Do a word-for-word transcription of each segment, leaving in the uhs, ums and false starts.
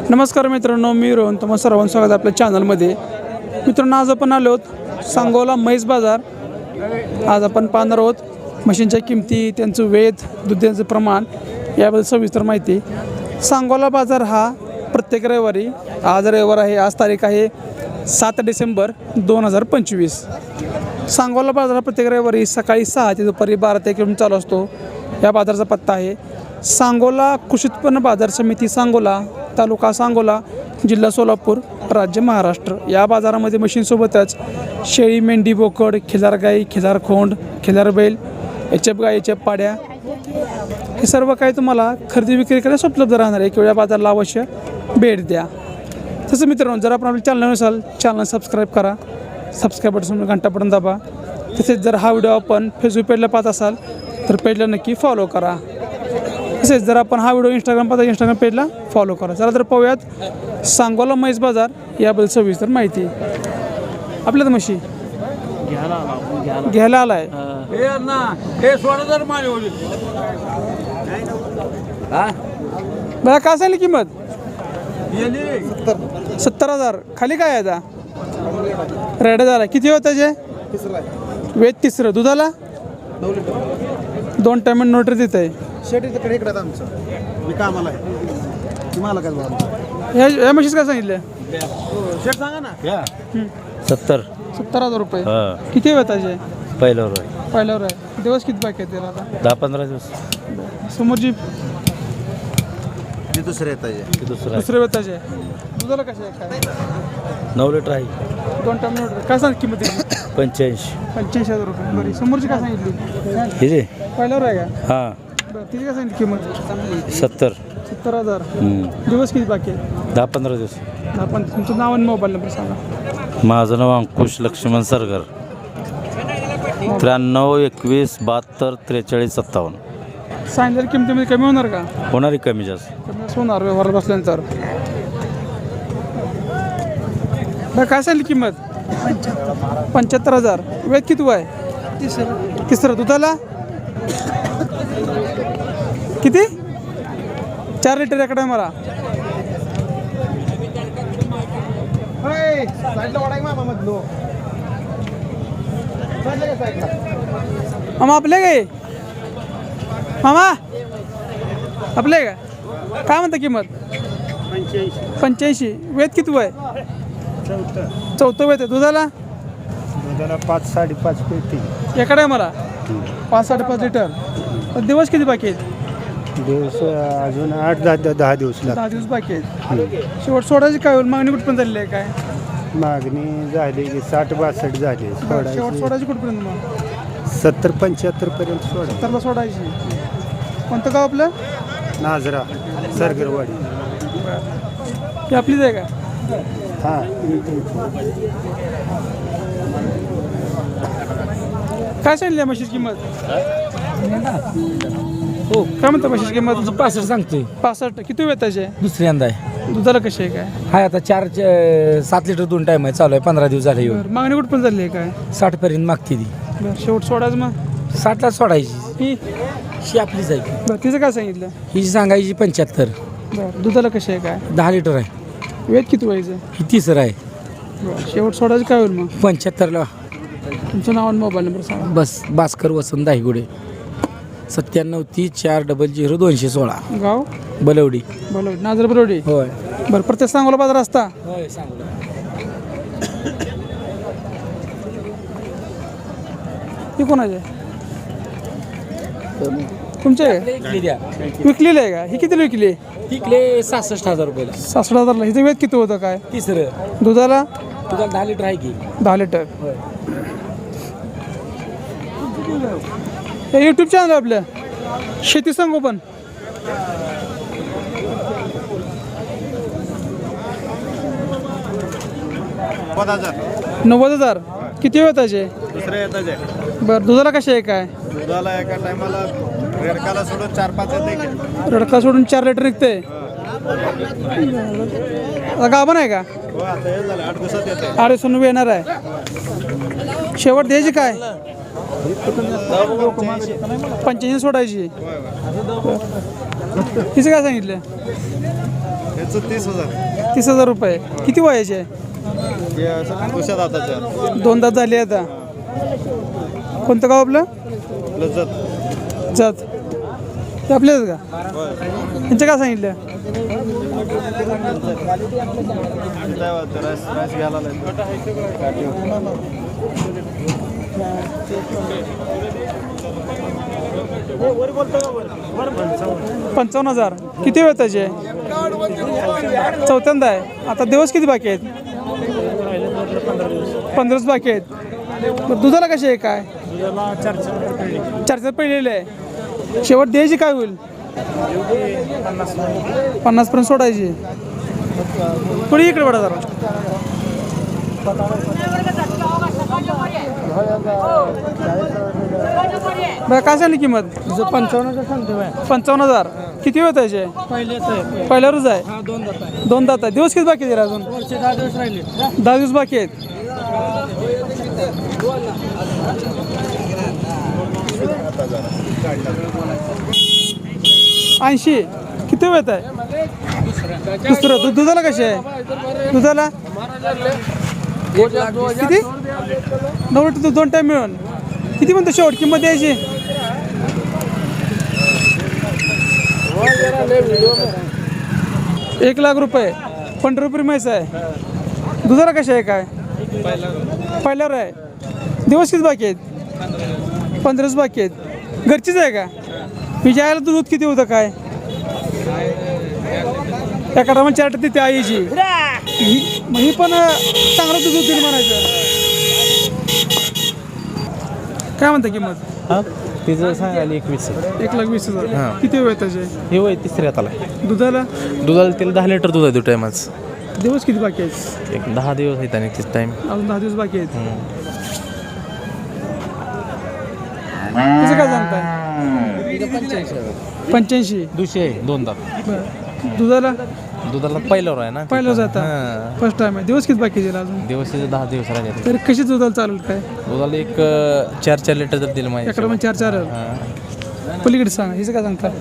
नमस्कार मित्रांनो, मी रोहन तुम्हा सर्वांचं स्वागत आपल्या चॅनलमध्ये. मित्रांनो, आज आपण आलो आहोत सांगोला म्हैस बाजार. आज आपण पाहणार आहोत म्हशींच्या किमती, त्यांचं वेध, दुधाचं प्रमाण याबद्दल सविस्तर माहिती. सांगोला बाजार हा प्रत्येक रविवारी, आज रविवार आहे, आज तारीख आहे सात डिसेंबर दोन हजार पंचवीस. सांगोला बाजार हा प्रत्येक रविवारी सकाळी सहा ते दुपारी बारा ते किलोमीटर चालू असतो. या बाजाराचा पत्ता आहे सांगोला कृषी उत्पन्न बाजार समिती, सांगोला, तालुका सांगोला, जिल्हा सोलापूर, राज्य महाराष्ट्र. या बाजारामध्ये म्हशींसोबतच शेळी, मेंढी, बोकड, खिलार गाई, खिलार खोंड, खिलार बैल, एचएफ गाई, एचएफ पाड्या, हे सर्व काही तुम्हाला खरेदी विक्री करण्यास उपलब्ध राहणार आहे. किंवा या बाजाराला अवश्य भेट द्या. तसं मित्रांनो, जर आपण आपल्या चॅनल नसाल, चॅनल सबस्क्राईब करा, सबस्क्राईब बटन घंटा बटन दाबा. तसेच जर हा व्हिडिओ आपण फेसबुक पेजला पाहत असाल तर पेजला नक्की फॉलो करा. तसेच जर आपण हा व्हिडिओ इंस्टाग्राम पाहता इंस्टाग्राम पेजला फॉलो करा. चला तर पाहूयात सांगोला म्हैस बाजार याबद्दल सविस्तर माहिती. आपल्या तर म्हशी घ्यायला आलाय. बघा काय सांगली किंमत? सत्तर हजार. खाली काय आहे आता? रेड झाला. किती होत त्याचे? वेद तिसरं. दुधाला दोन टायम नोटरी देत आहे. शेतीकडे इकडे आमचं मी कामाला आहे. तुम्हाला काय बोला या म्हशीच काय सांगितलं? शेट सांगा ना. सत्तर सत्तर हजार रुपये. हां किती वेळ त्याचे? पहिल्यावर आहे. पहिल्यावर आहे. दिवस किती बाकी आहेत त्याला आता? दहा पंधरा दिवस. समोरची ते दुसरे येत आहे. ते दुसरं आहे. दुसऱ्या वेताचे. दुधाला कसे आहे काय? नऊ लिटर आहे. दोन टाइम नोट. काय सांग किंमत आहे? पंच्याऐंशी. पंच्याऐंशी हजार रुपये. बरी. समोरची काय सांगितली? हे जे पहिल्यावर आहे का? हां बरं. तिची काय सांगितली किंमत? सत्तर. सत्तर हजार. हम्म. दिवस किती बाकी आहेत? दहा पंधरा दिवस. आपण तुमचं नाव आणि मोबाईल नंबर सांगा. माझं नाव अंकुश लक्ष्मण सरगर. त्र्याण्णव एकवीस बहात्तर त्रेचाळीस सत्तावन्न. सांगितलेल्या किमतीमध्ये कमी होणार का? होणारी कमी जास्त. कमी असं होणार व्यवहारात बसल्यानंतर. बरं, काय सांगितली किंमत? पंच्याहत्तर हजार. वेद किती आहे? तिसरं. तिसरं. दुधाला किती? चार लिटर एकडे मला. मामा आपले काय? मामा आपले का? काय म्हणता किंमत? पंच्याऐंशी. वेद किती आहे? चौथं वेद आहे. दुधाला दुधाला पाच साडेपाच पेटी एकडे मला. पाच साडेपाच लिटर. दिवस किती बाकी आहेत? दिवस अजून आठ दहा दहा दिवस दहा दिवस बाकी आहेत. शेवट सोडायची काय होईल? मागणी कुठपर्यंत झालेली आहे काय? मागणी झाली की साठ बासष्ट झाली. शेवट सोडायची सोडायची कुठपर्यंत मग? सत्तर पंच्याहत्तर पर्यंत सोडा. सत्तरला सोडायची. कोणतं गाव आपलं? नाझरा सरगरवाडी. ही आपलीच आहे का? हां. काय सांगितली म्हशीची किंमत? हो. काय म्हणता म्हशीची किंमत? पासष्ट सांगतोय. पासष्ट. किती वेळ त्याचे? दुसऱ्यांदा आहे. दुधाला कशी आहे काय? हाय आता चार च- सात लिटर दोन टाइम आहे. चालू आहे. पंधरा दिवस झाले येऊन. बरं. मागणी कुठपर्यंत झाली आहे काय? साठ पर्यंत मागते ती. बरं. शेवट सोडायचं मग? साठला सोडायची. ही ही आपलीच आहे. बरं. तिचं काय सांगितलं? ही सांगायची पंच्याहत्तर. बरं. दुधाला कशी आहे काय? दहा लिटर आहे. वेद किती व्हायचं? ही तिसरं आहे. बरं. शेवट सोडायचं काय होईल मग? पंच्याहत्तरला. तुमचं नाव आणि मोबाईल नंबर सांगा. बस भास्कर वसंत दाहिगुडे. सत्त्याण्णव तीस चार डबल झिरो दोनशे सोळा. गाव? बलवडी. बरोबर. नाजर बरोडी. होय बरं. प्रत्येक सांगोला बाजार असता? होय सांगू. ही कोणाचे? तुमचे आहे? विकली द्या. विकलेली आहे का? ही कितीला विकली? विकले सहासष्ट हजार रुपयाला. सासष्ट हजारला. हिचं वेद किती होतं काय? तिसरं. दुधाला तुझा दहा लिटर आहे की. दहा लिटर. होय. हे यूट्यूब चॅनल आपलं शेती संगोपन. नव्वद हजार. किती वेळ त्याचे? दुसऱ्या येत आहे. बरं. दुधाला कसे आहे काय? दुधाला एका टायमाला रेडकाला सोडून चार पाच येते. रडका सोडून चार लिटर निघते. गाभण आहे का? हो, आता हे झालं आठ दिवसात येते. आठ दिवसांनी येणार आहे. शेवट द्यायची काय? पंच्याऐंशी सोडायची. तिचं काय सांगितलं? याचं तीस हजार तीस हजार रुपये किती वयाचे आहे? हे असं दुसऱ्या दाताच्या दोन दात झाले आता. कोणतं गाव आपलं? लज्जत जात ते आपल्याच का? होय त्यांचं काय सांगितलं? काय वाटतं राईस राईस घ्यायला पंचावन्न हजार किती वेळ त्याचे? चौथ्यांदा आहे. आता दिवस किती बाकी आहेत? पंधराच बाकी आहेत. बरं, दुधाला कसे आहे काय? चार चार पहिलेले आहे. शेवट द्यायची काय होईल? पन्नास पर्यंत सोडायची. पुढे इकडे पडा जरा. बरं काय सांगली किंमत? पंचावन्न सांगतो पंचावन्न हजार किती वेळ त्याचे? पहिल्यावरच आहे. दोन दात आहे. दिवस किती बाकी आहेत अजून? दहा दिवस राहिले. दहा दिवस बाकी आहेत. ऐंशी किती वेळ आहे? दुसरं दूध दुधाला कसे आहे? दुधाला किती? नऊ लिटर दोन टाईम मिळून किती म्हणतो शेवट किंमत द्यायची? एक लाख रुपये. पंधरा रुपये म्हैस आहे. दुधाला कसे आहे काय? पहिल्यावर आहे. दिवस किती बाकी आहेत? पंधराच बाकी आहेत. घरचीच आहे का? मी ज्याला दूध किती होतं काय? एका टायमा चार टक्के ती आईची ही मग ही पण चांगलं दूध होतील म्हणायचं. काय म्हणता किंमत? हा तिचं सांगायला एकवीस एक लाख वीस हजार किती वेळ त्याचे? हे वय तिसऱ्यात आला दुधाला दुधाला तिला दहा लिटर दूध आहे दो टायमाच दिवस किती बाकी आहेत? एक दहा दिवस आहेत आणि तिच टाइम अजून दहा दिवस बाकी आहेत. कसं काय सांगताय? पंच्याऐंशी. दुशे आहे दोन दात बरं. दुधाला दुधाला पहिल्यावर आहे ना पहिलं जाता फर्स्ट टाइम आहे. दिवस किती बाकी दिला अजून? दिवस तिचे दहा दिवस राहिले तरी कशी दुधाला चालेल काय? दुधाला एक अं, चार चार लिटर जर दिलं एकडे माझ्या चार चार हा. पलीकडे सांगा हिचं काय सांगता?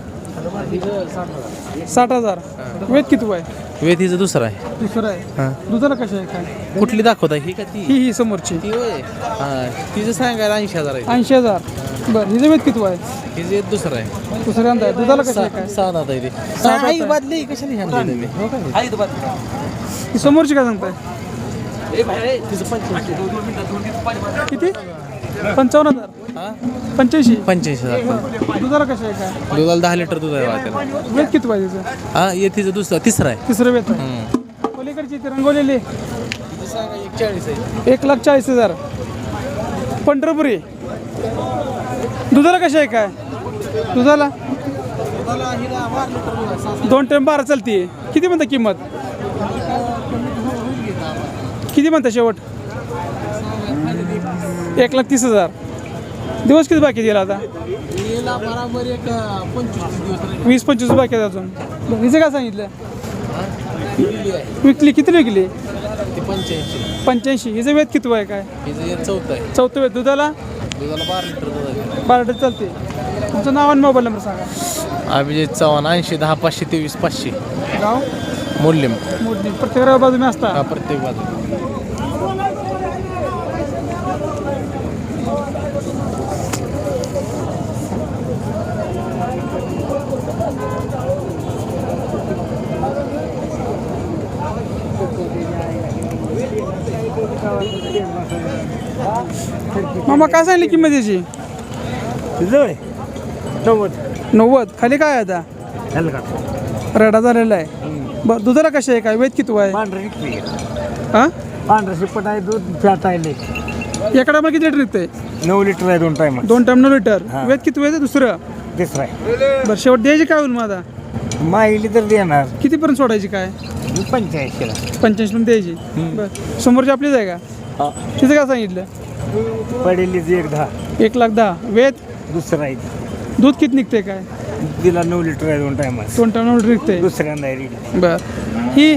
साठ हजार. वेद किती आहे? वेद हिचं दुसरं आहे दुसरं हा. आहे. दुधाला कशी आहे काय? कुठली दाखवता ही का ती ही ही समोरची ती होय हा तिचं सांगायला ऐंशी हजार आहे ऐंशी हजार. बरं हिचं वेद किती आहे? हिचं एक दुसरं आहे दुसऱ्यांदा आहे. दुधाला कशी आहे काय? सहा दात आहे ते दात आहे. बादली कशाने आणली तुम्ही? हो का? ही समोरची काय सांगताय? तिचं पंच्याऐंशी किती? पंचावन्न हजार. हा पंच्याऐंशी. पंच्याऐंशी हजार दुधाला कशी आहे काय? दुधाला दहा लिटर दूध आहे बा त्याला वेद किती आहे तिचं? हा ये तिचं दुसरं तिसरं आहे तिसरं वेद आहे. हम्म. पलीकडची ती रंगवलेली एक चाळीस आहे एक लाख चाळीस हजार. पंढरपुरी दुधाला कशी आहे काय? दुधाला दोन टाइम बारा चालते. किती म्हणता किंमत? किती म्हणता शेवट? एक लाख तीस हजार. दिवस किती बाकी दिला आता? वीस पंचवीस बाकी आहेत अजून. बरं, हिचं काय सांगितलं? विकली किती विकली? पंच्याऐंशी पंच्याऐंशी. हिचं वेद किती आहे काय? हिचं चौथं आहे चौथं वेद. दुधाला दुधाला बारा लिटर दूध आहे बारा लिटर चालते. तुमचं नाव आणि मोबाईल नंबर सांगा. अभिजित चव्हाण ऐंशी दहा पाचशे तेवीस पाचशे गाव मूल्यम मोठी. प्रत्येक बाजू मी असता. हा प्रत्येक बाजू मामा काय सांगली किंमत याची? नव्वद. खाली काय आहे आता? रडा झालेला आहे. बरं दुधाला कशी आहे काय? वेद किती आहे? हां पांढरा शिपट आहे दूध फॅट आहे एकडा मग किती लिटर निघतंय? नऊ लिटर आहे दोन टाइम दोन टाइम नऊ लिटर. वेद किती वेळ दुसरं? तिसरा आहे बरं शेवट द्यायची काय होईल माझा? माहिली तर देणार कितीपर्यंत सोडायची काय? पंच्याऐंशीला पंच्याऐंशी पर्यंत द्यायची. बरं समोरची आपलीच आहे का? तिचं काय सांगितलं? पडेलीच एक दहा एक लाख दहा. वेद दुसरा आहे दूध किती निघते काय? तिला नऊ लिटर आहे दोन टाइम दोन टाइम नऊ लिटर निघते. दुसऱ्यांदा आहे रेडी. बरं ही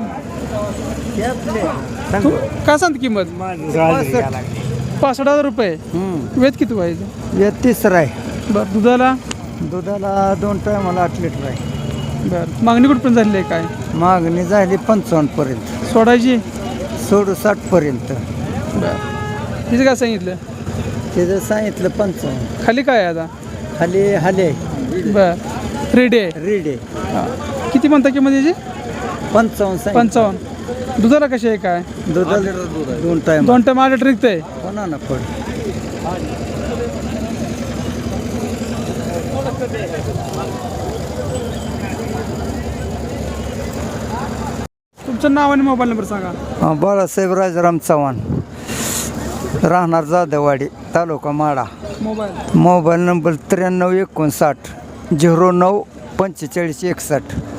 तू काय सांगते किंमत? पासष्ट हजार रुपये. वेद किती व्हायचं? तिसरा आहे बरं दुधाला दुधाला दोन टायमाला आठ लिटर आहे. बरं मागणी कुठपर्यंत झालेली आहे काय? मागणी झाली पंचावन्न पर्यंत, सोडायची सोडू साठ पर्यंत. तिचं काय सांगितलं? त्याचं सांगितलं पंचावन्न. खाली काय आहे आता? खाली हाले बर रेडी आहे. रेडे किती म्हणता किंमत याची? पंचावन्न सांगितलं. पंचावन्न. दुधाला कशी आहे काय? दुधाला दोन टाइम दोन टाइम आठ लिटर निघतंय. कोणा ना पड. तुमचं नाव आणि मोबाईल नंबर सांगा. बाळासाहेब राजाराम चव्हाण, राहणार जाधववाडी, तालुका माडा. मोबाईल मोबाईल नंबर त्र्याण्णव एकोणसाठ झिरो नऊ पंचेचाळीस एकसष्ट.